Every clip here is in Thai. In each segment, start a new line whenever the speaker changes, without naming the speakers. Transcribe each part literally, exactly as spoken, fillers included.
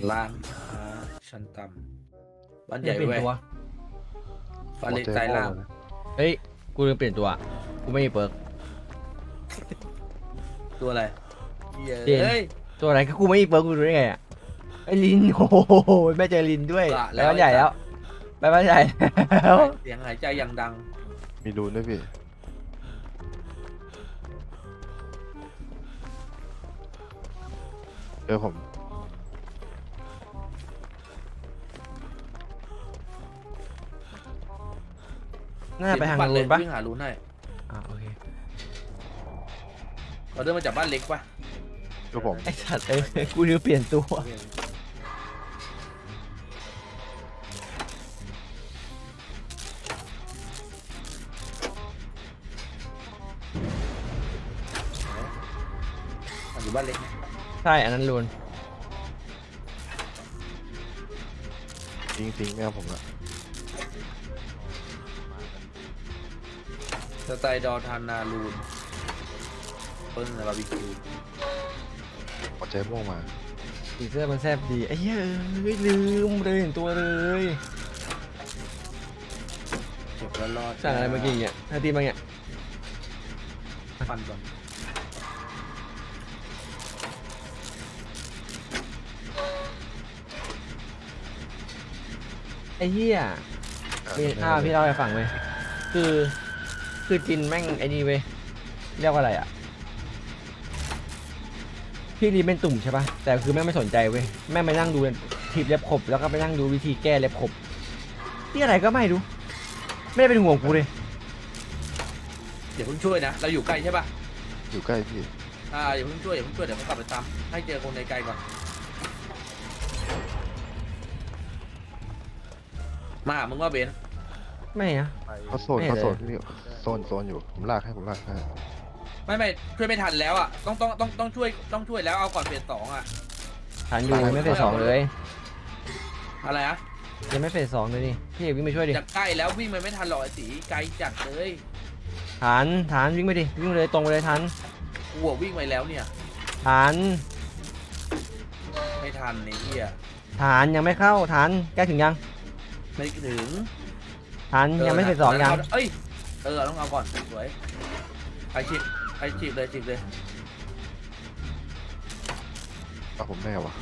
ร้านค้าชั้นต่ำบ้านใหญ่
เปลี่ย
เว้
น
ย
ตัว
บ้านเล็กใต้ล่าง
เฮ้ยกูลืมเปลี่ยนตัวกูไม่มีเปิร์ก
ตัวอะไรเหี้ย
เปลี่ยน
เฮ้ย
ตัวอะไรก็กูไม่มีเปิร์กกูรู้ได้ไงอ่ะไอ้ลินโอ้โหไม่เจอลินด้วย
ละ
ไป
แล้ว
บ้านใหญ่แล้วไปบ้านใหญ่แล้ว
เสียงหายใจอย่างดัง
มีรูนด้วยพี่เจอผม
น่าไปทาง
ปั่นเล
นู้
ย
นปะ
วิ่งหารูนให้
อ่าโอเค
เราเดินมาจากบ้านเล็กปะ
เจอผม
ไอ้สัตว์เอ้ยกูลืมเปลี่ยนตัว
มันอยู่บ้านเล็กนะ
ใช่อันนั้นลูน
จริงจริงไม่เอาผมละ
สไตล์ดอทานนารูนเปิ้ลบาร์บีคิว
หัวใจม่วงมา
สีเสื้อมันแซบดีไอ้เหี้ยเอ้ยลืมเลยเห็นตัวเลย
เก็บแล้วรอด
สั่งอะไรมากินเนี่ยถ้าตีมาเนี่ย
ฟันก่อน
ไอ้เหี้ย พี่อ่าพี่เล่าให้ฟังเว้ยคือคือจินแม่งไอ้นี่เว้ยเรียกว่าอะไรอ่ะพี่รีบเป็นตุ่มใช่ปะแต่คือแม่งไม่สนใจเว้ยแม่งไปนั่งดูทีบเล็บขบแล้วก็ไปนั่งดูวิธีแก้เล็บขบที่อะไรก็ไม่รู้ไม่ได้เป็นห่วงกูเลย
เดี๋ยวเพิ่งช่วยนะเราอยู่ใกล้ใช่ปะ
อยู่ใกล้พี่
อ่าอย่าเพิ่งช่วยอย่าเพิ่งช่วยเดี๋ยวเขากลับไปตามให้เจอคนในไกลก่อนมาหามึงว่าเบนซ์
ไม่นะ
เขาโซน
ไม่
เขา
เลย
โซนพี่โซนโซนอยู่ผมลากให้ผมลากให้
ไม่ไม่ช่วยไม่ทันแล้วอ่ะต้องต้องต้องต้องช่วยต้องช่วยแล้วเอาก่อนเฟสสองอ่ะ
ฐานอยู่ไม่เฟสสองเลย
อะไรอะ
ยังไม่เฟสสองเลยนี่พี่เอกวิ่งไปช่วยดิ
จะใกล้แล้ววิ่งมันไม่ทันหรอกไอ้สีไกลจัดเลย
ฐานฐานวิ่งไปดิวิ่งเลยตรงไปเลยฐาน
กูอะวิ่งไปแล้วเนี่ย
ฐาน
ไม่ทันไอ้เหี้ย
ฐานยังไม่เข้าฐานใกล้ถึงยัง
ไม่ถึง
ฐานยังไม่เฟสสองยัง
เอ้ยเออต้องเอาก่อนสวยไปฉีดไปฉีดเลยฉีดเลย
เอาผมแน่วะ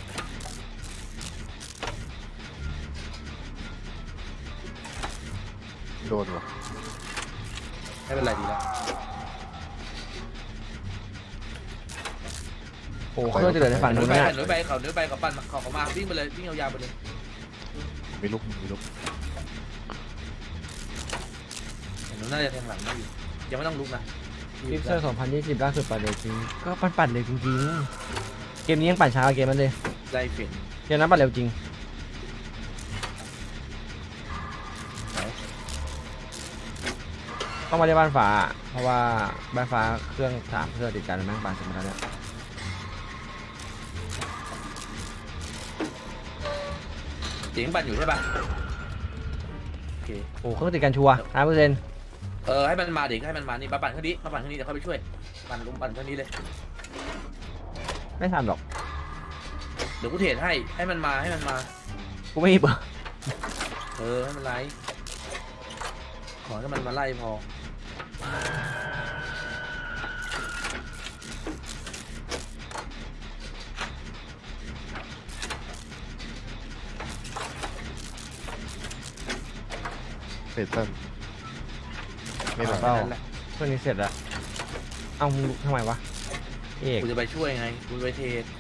โดนวะ
ไม่เป็นไรดีแล้ว
โอ้เครื่องจะเหลือในฝั่ง
หนุ
นู้
น
น
ไป
เนี่ย
หนุนไปเขาหนุนไปเขาปั่นเขาเขามาวิ่งไปเลยวิ่งยาวๆไปเลย
มีลูกมีลูก
หนุนน่าจะแทงหลังได้อยู่ยังไม่ต้องลุกนะ
ฟิกเซอร์สองพันยี่สิบล่าสุดปั่นเลยจริงก็ปั่นปั่นเลยจริงๆเกมนี้ยังปั่นช้ากว่าเกมนั้นเลย
ได้เปลี่ยน
เกมนั้นปั่นเร็วจริงต้องมาที่บ้านฟ้าเพราะว่าบ้านฟ้าเครื่องสามเครื่องติดกันแม่งปั่นเสร็จหมดแล้วเนี่ย
เสียงปั่นอยู่ใช่ปะโอเค
โอ้เครื่องติดกันชัวร์ห้าเปอร์เซ็นต์
เออให้มันมาเด็กให้มันมานี่มาปั่นข้างนี้มาปั่นข้างนี้เดี๋ยวเขาไปช่วยปั่นลุมปั่นข้างนี้เลย
ไม่ทันหรอก
เดี๋ยวกูเทรดให้ให้มันมาให้มันมา
กูไม่มีเบอร์
เออให้มันไล่ขอให้มันมาไล่พอ
เฟสตันไม่มา
เปล่า
แค่นั้นแหละ
เครื่องนี้เสร็จแล้วเอ้ามึงลุกทำไมวะเอก
กูจะไปช่วยไงกูไปเทรด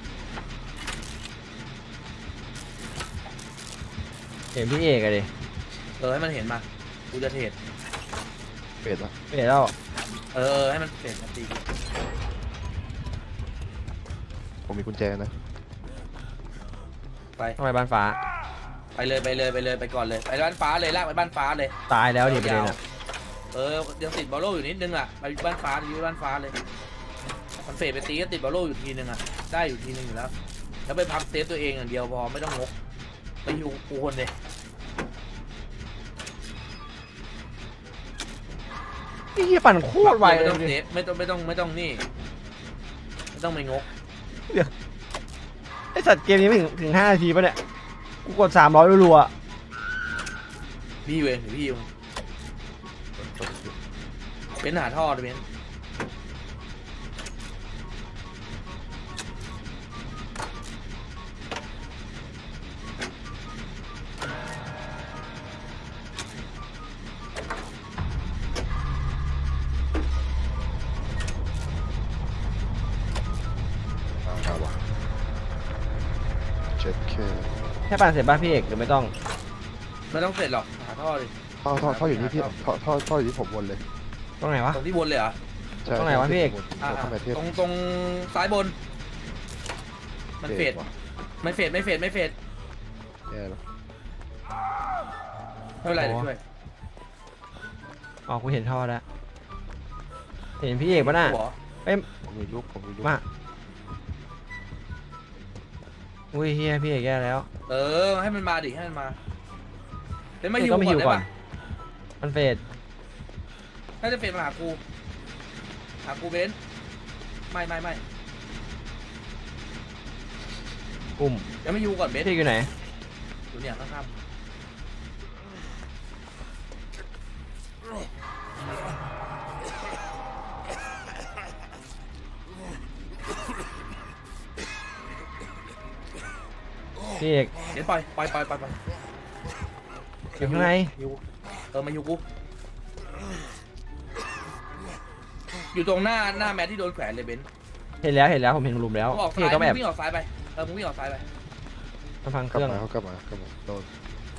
เห็นพี่เอกอะดิ
เออให้มันเห็นมากูจะเทรด
เฟสละ
เปลี่ยนแล้ว
เออเออให้มันเทรดมาตี
ผมมีกุญแจนะ
ไป
ทำไมบ้านฟ้า
ไปเลยไปเลยไปเลยไปก่อนเลยไปบ้านฟ้าเลยลากไปบ้านฟ้าเลย
ตายแล้วดิประเด็นอะ
เออยังติดบอลโล่อยู่นิดนึงอ่ะไปบ้านฟ้าอยู่บ้านฟ้าเลยมันเฟดไปตีก็ติดบอลโล่อยู่ทีนึงอ่ะได้อยู่ทีนึงอยู่แล้วแล้วไปพับเซฟตัวเองอย่างเดียวพอไม่ต้องงกไปอยู่กูคนเลย
นี่เหี้ยปั่นโคตรไวเล
ไม่
ย
ต้อง
ดิ
เซฟไม่ต้องไม่ต้องไม่ต้องนี่ไม่ต้องไปงก
ไอ้สัตว์เกมนี้ไม่ถึงถึงห้านาทีป่ะเนี่ยกูกดสามร้อยรัวๆอะ
พี่เวงหรือพี่ยิงเป็นหาท่อเลยเบน
มาครับวะเจ็ดแค่
แค่ปั่นเสร็จป่ะพี่เอกหรือไม่ต้อง
ไม่ต้องเสร็จหรอกหาท่อเลย
ท่อท่อท่ออยู่นี่พี่ท่อท่อท่ออยู่ที่ผมวนเลย
ตรงไหนวะ
ตรงที่บนเลยเหรอ
ใช่
ตรงไหนวะพี่เอก
อ่า
ตรงไหนเทพ
ตรงตรงซ้ายบน มันเฟด
ว่ะ
ไม่เฟดไม่เฟดไม่เฟด
แย่แล้ว
ไม่เป็นไรเดี๋ยวช่วย
อ๋อกูเห็นท่อแล้วเห็นพี่เอกป่ะน่ะ
หัว
ผมมีลูกผมมีลูก
มาอุ้ยเฮียพี่เอกแย่แล้ว
เออให้มันมาดิให้มันมาเดี๋ยวมา
เอ
ฮิ
อ
ว
ก็ไม่
ก่อ
หิ
น
ว
ได้
ก่อน
ปะ
มันเฟด
น่าจะเฟดมาหากูหากูเบนซ์ไม่ไม่ไม่
กลุ่ม
เดี๋ยวมาฮิวก่อนเบนซ์
พี่เอกอยู่ไหน
อยู่เนี่ยข้าง
พี่เอก
ๆเดี๋ยวปล่อยปล่อยปล่อยปล่อยปล่อย
อยู่ข้างใน
ฮิวเออมาฮิวกูอยู่ตรงหน้าหน้าแมทที่โดนแขวนเลยเบนซ์
เห็นแล้วเห็นแล้วผมเห็นหลุมแล้ว
มึงออก
พี่
ซ้า
เอย กต้อง
มึ
แอบ
งวิ่งออกซ้ายไปเออมึงวิ่งออกซ้ายไป
มาฟังเค
กลับ
รื่อง
มาเขากลับมากลับมาโดน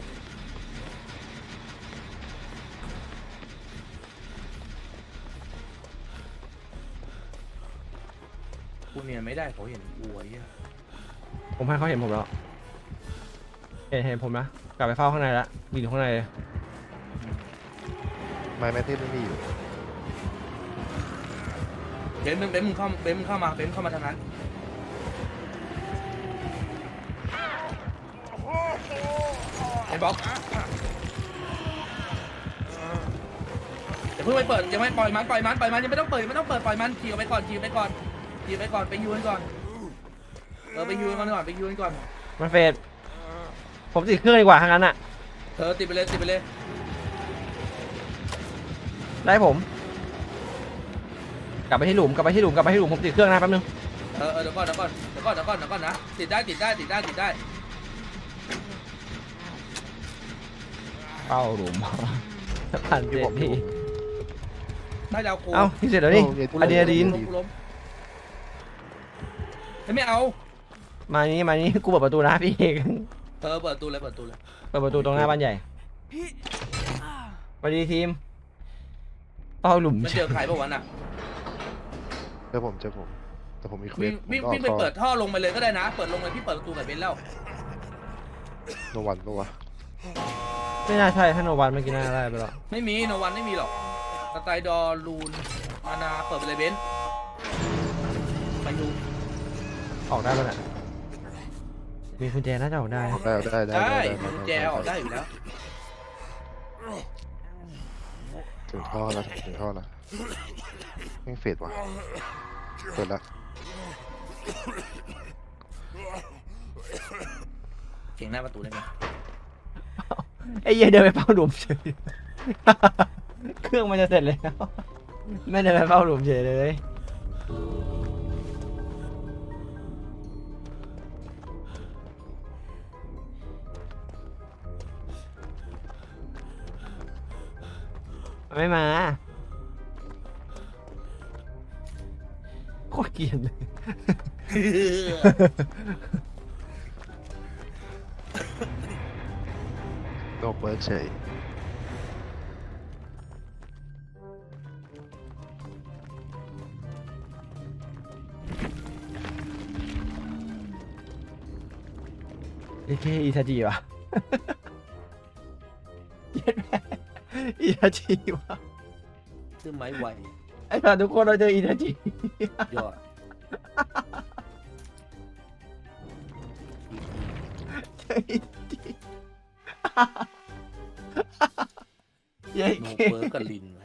กูเนี่ยไม่ได้เขาเห็นกูไอ้เหี้ย
ผมให้เขาเห็นผมแล้วเห็นเห็นผมนะกลับไปเฝ้าข้างในละยืนอยู่ข้างในเลย
ไม้แม่เทพไม่มีอยู่
เบนซ์เบนซ์มึงเข้าเบนซ์มึงเข้ามาเบนซ์เข้ามาทางนั้นไอ้บล็อกอย่าเพิ่งไปเปิดยังไม่ปล่อยมันปล่อยมันปล่อยมันยังไม่ต้องเปิดยังไม่ต้องเปิดปล่อยมันขี่ออกไปก่อนขี่ออกไปก่อนขี่ออกไปก่อนไปยูนก่อนเออไปยูนก่อนก่อนไปยูนก่อน
มันเฟดผมติดเครื่องดีกว่าทางนั้นอ่ะ
เออติดไปเลยติดไปเลย
ได้ผม กลับไปที่หลุมกลับไปที่หลุมกลับไปที่หลุมผมติดเครื่องนะแป๊บนึง
เออเออเดี๋ยวก่อนเดี๋ยวก่อนเดี๋ยวก่อนเดี๋ยวก่อนเดี๋ยวก่อนนะติดได้ติดได้ติดได้ติดได้
เฝ้าหลุม ผ่านเจ็ดที
น่าจะเอากู
เอ้าพี่เสร็จแล้วนี่ อะดรีนาลีน
ล้มกูล้มเฮ้ยไม่เอา
มานี้มานี้กูเปิดประตูนะพี่เอก
เออเปิดตูเลยเปิดตูเลย
เปิดประตูตรงหน้าบ้านใหญ่สวัสดีทีมเฝ้าหลุม
มันเจอใครปะวะน่ะ
เจอผมเจอผมแต่ผมมีเคว
วิ่
ส
ง
ผม
วิ่ง
ก็ออ
วิ่
ก
งไป
ท่อ
เปิดท่อลงไปเลยก็ได้นะ เปิดลงเลยพี่เปิดประตูกับเบนซ์แล้ว
โนวันปะวะ
ไม่น่าใช่ถ้าโนวันเมื่อกี้น่าได้ไปแล้ว
ไม่มีโนวันไม่มีหรอกสไตล์ดอรูนมานาเปิดไปเลยเบนซ์ไปดู
ออกได้ป่ะน่ะมีกุญแจน่าจะออกได้
ออกได้ออกได้ได้
ได้
ได้
มีกุญแจออกได้อยู่แล้ว
ถึงท่อแล้วถึงท่อแล้วแม่งเฟดว่ะเปิดละ
เก่งหน้าประตูได้ไหม
ไอ้เหี้ยเดินไปเฝ้าหลุมเฉย เครื่องมันจะเสร็จแล้วไม่เดินไปเฝ้าหลุมเฉยเลยมันไม่มาโคตรเกลียดเลย
โนเปิดเฉย
เอเคอีทาจิวะ เย็ดแม่อีทาจิวะ
ซื้อไม้ไว
ไอ้ตอนทุกคนเราเจออีทาจิ
ยอด
เจออีทาจิ เย้
โน
เค
เปิร์กับลิน